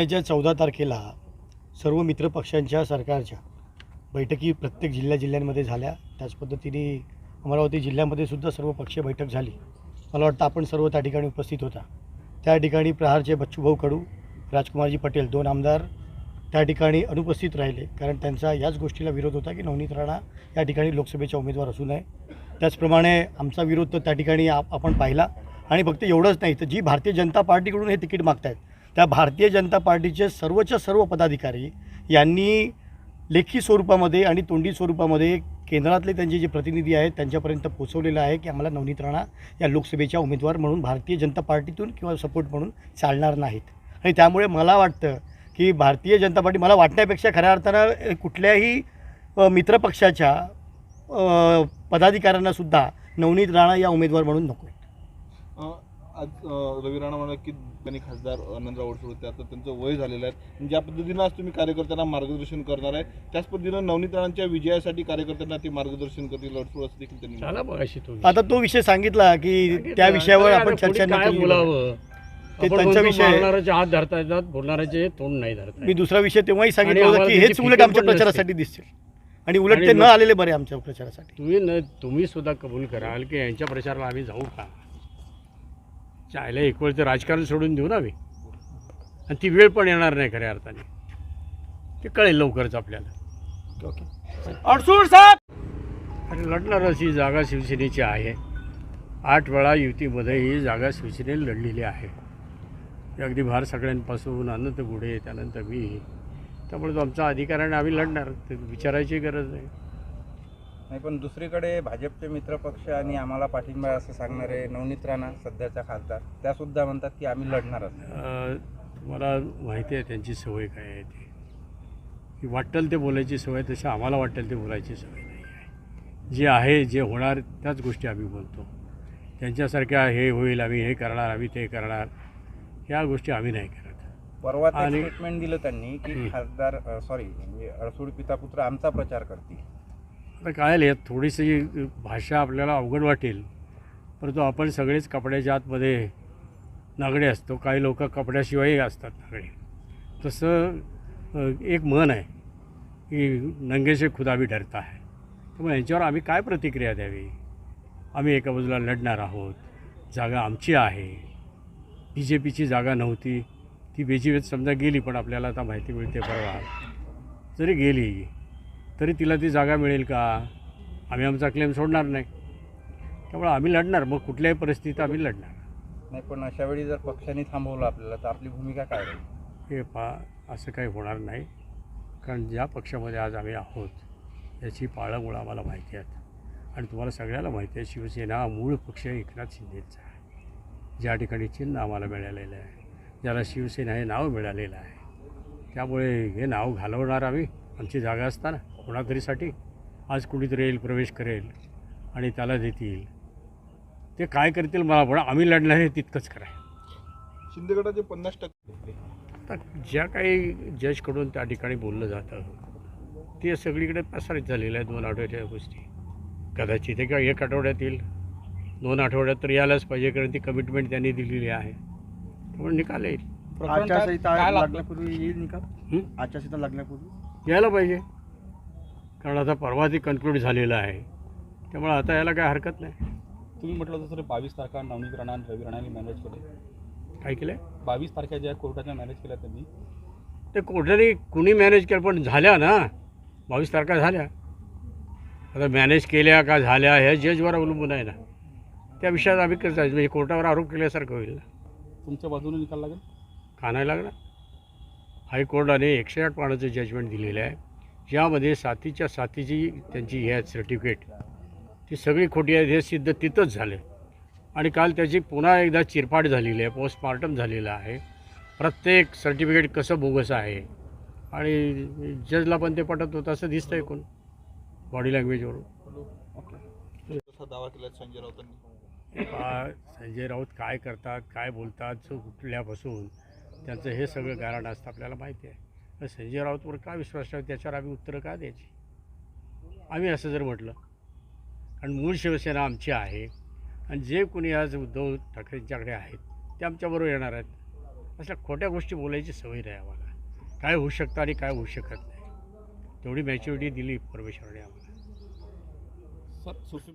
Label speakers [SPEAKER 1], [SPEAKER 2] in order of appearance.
[SPEAKER 1] महिन्याच्या 14 तारखेला सर्व मित्रपक्षांच्या सरकारच्या बैठकी प्रत्येक जिल्ह्यांमध्ये झाल्या. त्याच पद्धतीने अमरावती जिल्ह्यामध्ये सुद्धा सर्व पक्षीय बैठक झाली. मला वाटतं आपण सर्व त्या ठिकाणी उपस्थित होता. त्या ठिकाणी प्रहारचे बच्चूभाऊ कडू, राजकुमारजी पटेल 2 आमदार त्या ठिकाणी अनुपस्थित राहिले, कारण त्यांचा याच गोष्टीला विरोध होता की नवनीत राणा या ठिकाणी लोकसभेच्या उमेदवार असू नये. त्याचप्रमाणे आमचा विरोध तर त्या ठिकाणी आपण पाहिला. आणि फक्त एवढंच नाही, तर जी भारतीय जनता पार्टीकडून हे तिकीट मागतायत त्या भारतीय जनता पार्टीचे सर्वच्या सर्व पदाधिकारी यांनी लेखी स्वरूपामध्ये आणि तोंडी स्वरूपामध्ये केंद्रातले त्यांचे जे प्रतिनिधी आहेत त्यांच्यापर्यंत पोहोचवलेलं आहे की आम्हाला नवनीत राणा या लोकसभेच्या उमेदवार म्हणून भारतीय जनता पार्टीतून किंवा सपोर्ट म्हणून चालणार नाहीत. आणि त्यामुळे मला वाटतं की भारतीय जनता पार्टी, मला वाटण्यापेक्षा खऱ्या अर्थानं कुठल्याही मित्रपक्षाच्या पदाधिकाऱ्यांनासुद्धा नवनीत राणा या उमेदवार म्हणून नको आहेत.
[SPEAKER 2] आज रवी राणा म्हणाले की त्यांनी खासदार आनंदराव अडसूळ होते, आता त्यांचं वय झालेलं आहे. ज्या पद्धतीनं आज तुम्ही कार्यकर्त्यांना मार्गदर्शन करणार आहे त्याच पद्धतीनं नवनीत राणांच्या विजयासाठी कार्यकर्त्यांना ते मार्गदर्शन करतील अडसूळ असं देखील त्यांनी
[SPEAKER 1] आता तो विषय सांगितला की त्या विषयावर आपण चर्चा नाही बोलावं. ते त्यांचा विषय,
[SPEAKER 3] बोलणाऱ्याचे हात धरता येतात, बोलणाऱ्याचे तोंड नाही धरता.
[SPEAKER 1] मी दुसरा विषय तेव्हाही सांगितलं होतं की हेच उलट आमच्या प्रचारासाठी दिसतील आणि उलट ते न आलेले बरे आमच्या प्रचारासाठी.
[SPEAKER 3] तुम्ही सुद्धा कबूल कराल की यांच्या प्रचाराला आम्ही जाऊ का? चायला एक वेळ तर राजकारण सोडून देऊ ना आम्ही, आणि ती वेळ पण येणार नाही खऱ्या अर्थाने. ते कळेल लवकरच आपल्याला.
[SPEAKER 1] अडसूळ साहेब
[SPEAKER 3] आणि लढणार अशी जागा शिवसेनेची आहे. 8 वेळा युतीमध्ये ही जागा शिवसेनेने लढलेली आहे. अगदी भार सगळ्यांपासून अनंत गुढे, त्यानंतर मी. त्यामुळे तो आमचा अधिकार आहे आणि आम्ही लढणार, ते विचारायची गरज नाही.
[SPEAKER 4] पण दुसरीकडे भाजपचे मित्रपक्ष आणि आम्हाला पाठिंबा असं सांगणारे नवनीत राणा सध्याच्या खासदार त्यासुद्धा म्हणतात की आम्ही लढणार असं.
[SPEAKER 3] तुम्हाला माहिती आहे त्यांची सवय काय आहे. ती वाटेल ते बोलायची सवय, तशी आम्हाला वाटेल ते बोलायची सवय नाही आहे. जे आहे, जे होणार त्याच गोष्टी आम्ही बोलतो. त्यांच्यासारख्या हे होईल, आम्ही हे करणार, आम्ही ते करणार, ह्या गोष्टी आम्ही नाही करत.
[SPEAKER 4] परवा स्टेटमेंट दिलं त्यांनी की खासदार म्हणजे अडसूळ पिता पुत्र आमचा प्रचार करतील.
[SPEAKER 3] आता काय आले, थोडीशी भाषा आपल्याला अवघड वाटेल, परंतु आपण सगळेच कपड्याच्या आतमध्ये नागडे असतो. काही लोक कपड्याशिवायही असतात नागडे. तसं एक म्हण आहे की नंगे से खुदा भी डरता है. त्यामुळे यांच्यावर आम्ही काय प्रतिक्रिया द्यावी? आम्ही एका बाजूला लढणार आहोत, जागा आमची आहे. BJPची जागा नव्हती, ती BJPत समजा गेली, पण आपल्याला आता माहिती मिळते परवा जरी गेली तरी तिला ती जागा मिळेल का? आम्ही आमचा क्लेम सोडणार नाही. त्यामुळे आम्ही लढणार, मग कुठल्याही परिस्थितीत आम्ही लढणार
[SPEAKER 4] नाही. पण अशा वेळी जर पक्षाने थांबवलं आपल्याला तर आपली भूमिका काय राहील?
[SPEAKER 3] हे असं काही होणार नाही. कारण ज्या पक्षामध्ये आज आम्ही आहोत याची पाळंमुळं आम्हाला माहिती आहेत. आणि तुम्हाला सगळ्याला माहिती आहे, शिवसेना मूळ पक्ष एकनाथ शिंदेचा आहे. ज्या ठिकाणी चिन्ह आम्हाला मिळालेलं आहे, ज्याला शिवसेना हे नाव मिळालेलं आहे, त्यामुळे हे नाव घालवणार आम्ही आमची जागा असताना कोणातरीसाठी. आज कुणीतरी येईल, प्रवेश करेल आणि त्याला देतील. ते काय करतील मला, पण आम्ही लढणार हे तितकंच कराय.
[SPEAKER 2] शिंदे गटाचे 50%
[SPEAKER 3] आता ज्या काही जजकडून त्या ठिकाणी बोललं जातं ते सगळीकडे प्रसारित झालेलं आहे. 2 आठवड्याच्या गोष्टी कदाचित किंवा 1 आठवड्यात येईल, 2 आठवड्यात तर यायलाच पाहिजे, कारण ती कमिटमेंट त्यांनी दिलेली आहे. त्यामुळे निकाल येईल.
[SPEAKER 4] आचारसंहिता लागण्यापूर्वी येईल निकाल. आचारसंहिता लागण्यापूर्वी
[SPEAKER 3] यायला पाहिजे, कारण आता परवा ती कन्क्लूड झालेलं आहे. त्यामुळे आता यायला काय हरकत नाही.
[SPEAKER 5] तुम्ही म्हटलं होतं सर 22 तारखा नवनीत राणा आणि रवी राणांनी मॅनेज केले.
[SPEAKER 3] काय केलं?
[SPEAKER 5] 22 तारखा ज्या कोर्टाच्या मॅनेज केल्या त्यांनी,
[SPEAKER 3] ते कोर्टाने कुणी मॅनेज केलं, पण झाल्या ना 22 तारखा झाल्या. आता मॅनेज केल्या का झाल्या ह्या जजवर अवलंबून आहे ना. त्या विषयात आम्ही कसं जायचं, म्हणजे कोर्टावर आरोप केल्यासारखं होईल ना.
[SPEAKER 5] तुमच्या बाजूने निकाल लागेल
[SPEAKER 3] का नाही लागणार? हायकोर्टाने 108 पानाचं जजमेंट दिलेलं आहे, ज्यामध्ये साथीची त्यांची हे आहेत सर्टिफिकेट, ती सगळी खोटी आहेत हे सिद्ध तिथंच झालं. आणि काल त्याची पुन्हा एकदा चिरफाड झालेली आहे, पोस्टमॉर्टम झालेलं आहे. प्रत्येक सर्टिफिकेट कसं बोगस आहे आणि जजला पण ते पटत होतं असं दिसतं आहे कोण बॉडी लँग्वेजवरून.
[SPEAKER 2] दावा केला संजय राऊतांनी.
[SPEAKER 3] संजय राऊत काय करतात, काय बोलतात, कुठल्यापासून त्यांचं हे सगळं गारण असतं आपल्याला माहिती आहे. तर संजय राऊतवर का विश्वास ठेवा, त्याच्यावर आम्ही उत्तरं का द्यायची? आम्ही असं जर म्हटलं, कारण मूळ शिवसेना आमची आहे आणि जे कोणी आज उद्धव ठाकरेंच्याकडे आहेत ते आमच्याबरोबर येणार आहेत. अशा खोट्या गोष्टी बोलायची सवय नाही आम्हाला. काय होऊ शकतं आणि काय होऊ शकत नाही तेवढी मॅच्युरिटी दिली परमेश्वराने आम्हाला.
[SPEAKER 5] सर